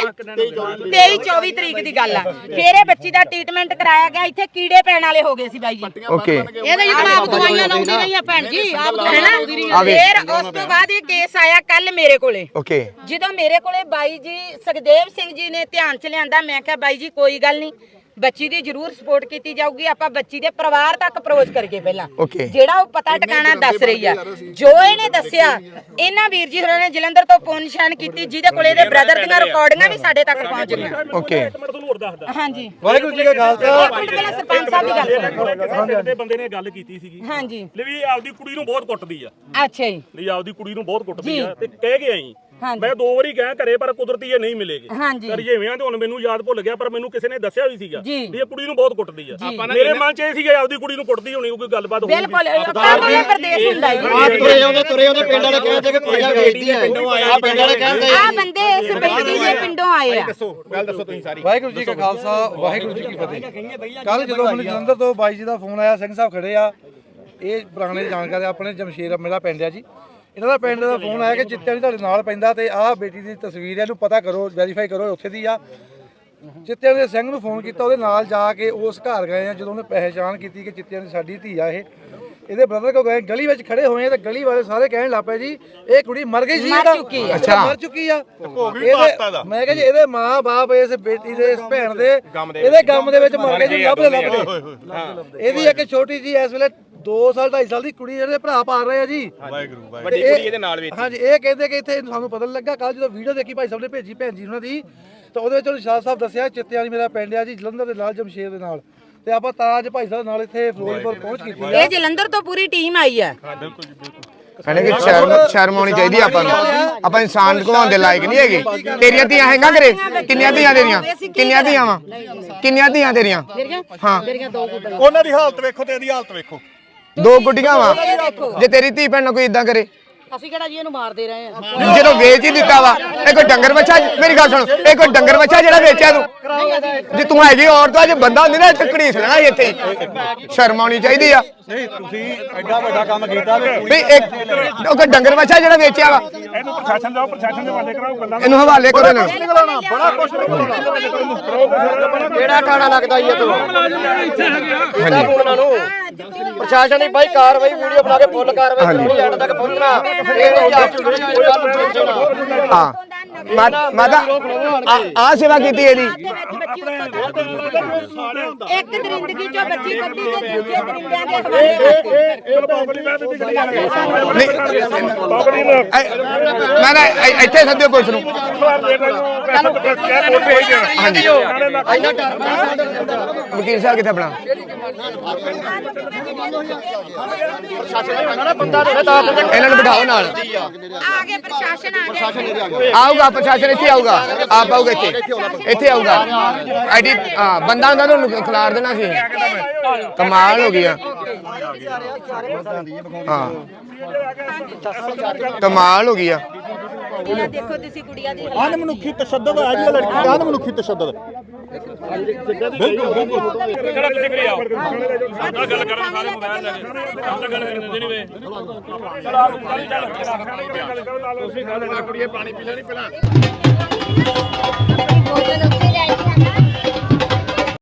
Speaker 1: ਇਹ 23-24 ਤਰੀਕ ਦੀ ਗੱਲ ਆ ਫੇਰ ਇਹ ਬੱਚੀ ਦਾ ਟ੍ਰੀਟਮੈਂਟ ਕਰਾਇਆ ਗਿਆ ਇੱਥੇ ਕੀੜੇ ਪੈਣ ਵਾਲੇ ਹੋ ਗਏ ਸੀ ਬਾਈ ਜੀ
Speaker 3: ਓਕੇ
Speaker 2: ਇਹਦੇ ਜਿਹੜਾ ਆਪ ਦਵਾਈਆਂ ਲਾਉਂਦੀ ਰਹੀ ਆ ਭੈਣ ਜੀ ਆਪ ਦਵਾਈਆਂ ਲਾਉਂਦੀ ਰਹੀ
Speaker 3: ਆਵੇ
Speaker 1: ਫੇਰ ਉਸ ਤੋਂ ਬਾਅਦ ਇਹ ਕੇਸ ਆਇਆ ਕੱਲ ਮੇਰੇ ਕੋਲੇ
Speaker 3: ਓਕੇ
Speaker 1: ਜਦੋਂ ਮੇਰੇ ਕੋਲੇ ਬਾਈ ਜੀ ਸੁਖਦੇਵ ਸਿੰਘ ਜੀ ਨੇ ਧਿਆਨ ਚ ਲਿਆਂਦਾ ਮੈਂ ਕਿਹਾ ਬਾਈ ਜੀ ਕੋਈ ਗੱਲ ਨਹੀਂ ਬੱਚੀ ਦੀ ਜ਼ਰੂਰ ਸਪੋਰਟ ਕੀਤੀ ਜਾਊਗੀ ਆਪਾਂ ਬੱਚੀ ਦੇ ਪਰਿਵਾਰ ਤੱਕ ਅਪਰੋਚ ਕਰਕੇ ਪਹਿਲਾਂ ਜਿਹੜਾ ਉਹ ਪਤਾ ਟਿਕਾਣਾ ਦੱਸ ਰਹੀ ਆ ਜੋ ਇਹਨੇ ਦੱਸਿਆ ਇਹਨਾਂ ਵੀਰ ਜੀ ਹੋਰਾਂ ਨੇ ਜਲੰਧਰ ਤੋਂ ਫੋਨ ਨਿਸ਼ਾਨ ਕੀਤੀ ਜਿਹਦੇ ਕੋਲੇ ਇਹਦੇ ਬ੍ਰਦਰ ਦੀਆਂ ਰਿਕਾਰਡਿੰਗਾਂ ਵੀ ਸਾਡੇ ਤੱਕ ਪਹੁੰਚ ਗਈਆਂ
Speaker 3: ਓਕੇ
Speaker 5: ਮੈਂ ਤੁਹਾਨੂੰ ਹੋਰ ਦੱਸਦਾ
Speaker 1: ਹਾਂਜੀ
Speaker 4: ਵਾਹਿਗੁਰੂ ਜੀ ਕਾ ਖਾਲਸਾ
Speaker 1: ਪਹਿਲਾਂ ਸਰਪੰਚ ਸਾਹਿਬ ਦੀ ਗੱਲ
Speaker 5: ਦੇ ਬੰਦੇ ਨੇ ਗੱਲ ਕੀਤੀ ਸੀਗੀ
Speaker 1: ਹਾਂਜੀ
Speaker 5: ਲੈ ਵੀ ਆਪਦੀ ਕੁੜੀ ਨੂੰ ਬਹੁਤ ਕੁੱਟਦੀ ਆ
Speaker 1: ਅੱਛਾ ਜੀ
Speaker 5: ਲਈ ਆਪਦੀ ਕੁੜੀ ਨੂੰ ਬਹੁਤ ਕੁੱਟਦੀ ਆ ਤੇ ਕਹਿ ਕੇ ਆਈ
Speaker 1: ਹਾਂਜੀ
Speaker 5: ਮੈਂ 2 ਵਾਰੀ ਕਹਿ ਘਰੇ ਪਰ ਕੁਦਰਤੀ ਇਹ ਨਹੀਂ ਮਿਲੇਗੇ
Speaker 1: ਹਾਂਜੀ
Speaker 5: ਰਜੇਵਿਆਂ ਤੇ ਹੁਣ ਮੈਨੂੰ ਯਾਦ ਭੁੱਲ ਗਿਆ ਪਰ ਮੈਨੂੰ ਕਿਸੇ ਨੇ ਦੱਸਿਆ ਵੀ ਸੀਗਾ
Speaker 1: ਜੀ।
Speaker 5: ਵੀ ਇਹ ਕੁੜੀ ਨੂੰ ਬਹੁਤ ਕੁੱਟਦੀ ਆ ਮੇਰੇ ਮਨ 'ਚ ਇਹ ਸੀਗਾ ਆਪਦੀ ਕੁੜੀ ਨੂੰ ਕੁੱਟਦੀ ਹੋਣੀ ਕੋਈ ਗੱਲਬਾਤ ਹੋਊਗੀ
Speaker 1: ਬਿਲਕੁਲ ਇਹ ਪ੍ਰਦੇਸ਼ ਹੁੰਦਾ ਜੀ
Speaker 6: ਤੁਰੇ ਉਹਦੇ ਪਿੰਡ ਵਾਲੇ ਕਹਿੰਦੇ ਕਿ ਕੁੜੀਆਂ ਵੇਚਦੀ ਆ ਆ ਪਿੰਡ ਵਾਲੇ ਕਹਿੰਦੇ
Speaker 1: ਆ ਬੰਦੇ ਇਸ ਬੇਟੀ ਦੇ ਪਿੰਡੋਂ ਆਏ ਆ
Speaker 6: ਗੱਲ ਦੱਸੋ ਤੁਸੀਂ ਸਾਰੀ
Speaker 4: ਵਾਹਿਗੁਰੂ ਜੀ ਕਾ ਖਾਲਸਾ ਵਾਹਿਗੁਰੂ ਜੀ ਕੀ ਫਤਿਹ ਕੱਲ ਜਦੋਂ ਮੈਨੂੰ ਜਲੰਧਰ ਤੋਂ ਬਾਈ ਜੀ ਦਾ ਫੋਨ ਆਇਆ ਸਿੰਘ ਸਾਹਿਬ ਖੜੇ ਆ ਇਹ ਪੁਰਾਣੇ ਜਾਣਕਾਰ ਆਪਣੇ ਜਮਸ਼ੇਰ ਮੇਰਾ ਪਿੰਡ ਆ ਜੀ ਇਹਨਾਂ ਦਾ ਪਿੰਡ ਦਾ ਫੋਨ ਆਇਆ ਕਿ ਚਿੱਤਿਆਂ ਦੀ ਤੁਹਾਡੇ ਨਾਲ ਪੈਂਦਾ ਤੇ ਆਹ ਬੇਟੀ ਦੀ ਤਸਵੀਰ ਹੈ ਇਹਨੂੰ ਪਤਾ ਕਰੋ ਵੈਰੀਫਾਈ ਕਰੋ ਉੱਥੇ ਦੀ ਆ ਚਿੱਤਿਆਂ ਦੇ ਸਿੰਘ ਨੂੰ ਫੋਨ ਕੀਤਾ ਉਹਦੇ ਨਾਲ ਜਾ ਕੇ ਉਸ ਘਰ ਗਏ ਆ ਜਦੋਂ ਉਹਨੇ ਪਹਿਚਾਣ ਕੀਤੀ ਕਿ ਚਿੱਤਿਆਂ ਦੀ ਸਾਡੀ ਧੀ ਆ ਇਹ ਇਹਦੇ ਬ੍ਰਦਰ ਕੋ ਗਏ ਗਲੀ ਵਿੱਚ ਖੜੇ ਹੋਏ ਆ ਤੇ ਗਲੀ ਵਾਲੇ ਸਾਰੇ ਕਹਿਣ ਲੱਗ ਪਏ ਜੀ ਇਹ ਕੁੜੀ ਮਰ ਗਈ ਸੀ
Speaker 3: ਅੱਛਾ
Speaker 4: ਮਰ ਚੁੱਕੀ ਆ ਇਹਦੇ ਮੈਂ ਕਿਹਾ ਜੀ ਇਹਦੇ ਮਾਂ-ਬਾਪ ਇਸ ਬੇਟੀ ਦੇ ਇਸ ਭੈਣ ਦੇ ਇਹਦੇ ਗਮ ਦੇ ਵਿੱਚ ਮਰ ਗਏ ਜੀ ਲੱਭਦੇ ਇਹਦੀ ਇੱਕ ਛੋਟੀ ਜੀ ਇਸ ਵੇਲੇ 2 ਸਾਲ 2.5 ਸਾਲ ਦੀ ਕੁੜੀ ਜਿਹੜੇ ਭਰਾ ਪਾਲ ਰਹੇ ਆ ਜੀ
Speaker 7: ਵਾਹਿਗੁਰੂ
Speaker 6: ਵੱਡੀ ਕੁੜੀ ਇਹਦੇ ਨਾਲ ਵਿੱਚ
Speaker 4: ਹਾਂਜੀ ਇਹ ਕਹਿੰਦੇ ਕਿ ਇੱਥੇ ਸਾਨੂੰ ਪਤਾ ਲੱਗਾ ਕੱਲ ਜਦੋਂ ਵੀਡੀਓ ਦੇਖੀ ਭਾਈ ਸਾਹਿਬ ਨੇ ਭੇਜੀ ਭੈਣ ਜੀ ਉਹਨਾਂ ਦੀ ਤਾਂ ਉਹਦੇ ਵਿੱਚ ਉਹਨੇ ਸ਼ਾਹ ਸਾਹਿਬ ਦੱਸਿਆ ਚਿੱਤਿਆਂ ਦੀ ਮੇਰਾ ਪਿੰਡ ਆ ਜੀ ਜਲੰਧਰ ਦੇ ਨਾਲ ਜਮਸ਼ੇਰ ਦੇ ਨਾਲ ਤੇ ਆਪਾਂ ਤਾਂ ਅੱਜ ਭਾਈ ਸਾਹਿਬ ਨਾਲ ਇੱਥੇ ਫਿਰੋਜ਼ਪੁਰ ਪਹੁੰਚ ਕੀਤੀ
Speaker 1: ਇਹ ਜਲੰਧਰ ਤੋਂ ਪੂਰੀ ਟੀਮ ਆਈ ਆ
Speaker 3: ਕਹਿੰਦੇ ਕਿ ਸ਼ਰਮ ਆਉਣੀ ਚਾਹੀਦੀ ਆਪਾਂ ਨੂੰ ਆਪਾਂ ਇਨਸਾਨ ਘਵਾਉਣ ਦੇ ਲਾਇਕ ਨਹੀਂ ਹੈਗੇ ਤੇਰੀਆਂ ਧੀਆਂ ਹੈਗਾ ਘਰੇ ਕਿੰਨੀਆਂ ਧੀਆਂ ਤੇਰੀਆਂ ਕਿੰਨੀਆਂ ਧੀਆਂ ਵਾ ਕਿੰਨੀਆਂ ਧੀਆਂ ਤੇਰੀਆਂ ਹਾਂ
Speaker 7: ਉਹਨਾਂ ਦੀ ਹਾਲਤ ਵੇਖੋ ਤੇ ਇਹਦੀ ਹਾਲਤ ਵੇਖੋ
Speaker 3: 2 ਗੁੱਡੀਆਂ ਵਾ ਜੇ ਤੇਰੀ ਧੀ ਭੈਣ ਨਾਲ ਕੋਈ ਇਦਾਂ ਕਰੇ
Speaker 2: ਅਸੀਂ ਕਿਹੜਾ ਜੀ ਇਹਨੂੰ ਮਾਰਦੇ ਰਹੇ ਆ
Speaker 3: ਜਦੋਂ ਵੇਚ ਹੀ ਦਿੱਤਾ ਵਾ ਇਹ ਕੋਈ ਡੰਗਰ ਬੱਚਾ ਮੇਰੀ ਗੱਲ ਸੁਣ ਇਹ ਕੋਈ ਡੰਗਰ ਬੱਚਾ ਜਿਹੜਾ ਵੇਚਿਆ ਤੂੰ ਜੇ ਤੂੰ ਹੈਗੀ ਔਰਤ ਆ ਜੇ ਬੰਦਾ ਹੁੰਦੀ ਨਾ ਇੱਥੇ ਘੜੀਸ ਲੈਣਾ ਇੱਥੇ ਹੀ ਸ਼ਰਮ ਆਉਣੀ ਚਾਹੀਦੀ ਆ
Speaker 7: ਨਹੀਂ ਤੁਸੀਂ ਐਡਾ ਵੱਡਾ ਕੰਮ ਕੀਤਾ
Speaker 3: ਵੀ ਇੱਕ ਉਹ ਕੋਈ ਡੰਗਰ ਬੱਚਾ ਜਿਹੜਾ ਵੇਚਿਆ ਵਾ
Speaker 5: ਇਹਨੂੰ ਪ੍ਰਸ਼ਾਸਨ ਜਾਓ ਪ੍ਰਸ਼ਾਸਨ ਦੇ ਹਵਾਲੇ ਕਰਾਓ ਗੱਲਾਂ
Speaker 3: ਇਹਨੂੰ ਹਵਾਲੇ ਕਰੋ ਨਾ
Speaker 7: ਬੜਾ ਕੁਝ
Speaker 6: ਕਿਹੜਾ ਟਾਣਾ ਲੱਗਦਾ ਜੀ ਤੂੰ ਕਿਹੜਾ ਉਹਨਾਂ ਨੂੰ ਪ੍ਰਸ਼ਾਸਨ ਦੀ ਬਾਈ ਕਾਰਵਾਈ ਵੀਡੀਓ ਬਣਾ ਕੇ ਫੁੱਲ ਕਾਰਵਾਈ ਕਰਨੀ ਐਂਡ ਤੱਕ ਪਹੁੰਚਣਾ
Speaker 3: ਹਾਂ ਮਾਤਾ ਆ ਸੇਵਾ ਕੀਤੀ ਇਹਦੀ
Speaker 1: ਇੱਕ ਦਰਿੰਦਗੀ ਚੋਂ ਬੱਚੀ ਕੱਢੀ ਤੇ ਦੂਜੇ ਦਰਿੰਦਿਆਂ ਦੇ ਹਵਾਲੇ
Speaker 3: ਮੈਂ ਇੱਥੇ ਸੱਦਿਓ ਪੁਲਿਸ ਨੂੰ ਹਾਂਜੀ ਵਕੀਲ ਸਾਹਿਬ ਕਿੱਥੇ ਆਪਣਾ ਇਹਨਾਂ ਨੂੰ ਬਿਠਾਓ ਨਾਲ
Speaker 1: ਆ ਗਏ ਪ੍ਰਸ਼ਾਸਨ ਆ ਗਿਆ
Speaker 3: ਆਊਗਾ ਪ੍ਰਸ਼ਾਸਨ ਇੱਥੇ ਆਊਗਾ ਆਪ ਆਊਗਾ ਇੱਥੇ ਆਊਗਾ ਆਈਡੀ ਹਾਂ ਬੰਦਾ ਹੁੰਦਾ ਤੁਹਾਨੂੰ ਖਿਲਾਰ ਦੇਣਾ ਸੀ ਕਮਾਲ ਹੋ ਗਈ ਆ ਹਾਂ ਕਮਾਲ ਹੋ ਗਈ ਆ
Speaker 1: ਦੇਖੋ ਤੁਸੀਂ ਕੁੜੀਆਂ ਦੀ
Speaker 7: ਅਨਮਨੁੱਖੀ ਤਸ਼ੱਦਦ ਆ ਜੀ ਲੜਕੀ ਦਾ ਅਨਮਨੁੱਖੀ ਤਸ਼ੱਦਦ
Speaker 5: ਚਲੋ ਤੁਸੀਂ ਕਰੀ ਆਓ ਆ ਗੱਲ ਕਰਨ ਸਾਰੇ ਮੋਬਾਈਲ ਲੈ ਕੇ ਆਪ ਤਾਂ ਗੱਲ ਕਰਨ ਦਿੰਦੇ ਨਹੀਂ ਵੇ ਚਲ ਆ ਚੱਲ ਤੁਸੀਂ ਗੱਲ ਨਾ ਕੁੜੀਏ ਪਾਣੀ ਪੀ ਲੈਣੀ ਪਹਿਲਾਂ
Speaker 8: ਬੋਤਲ ਉੱਤੇ ਲੈ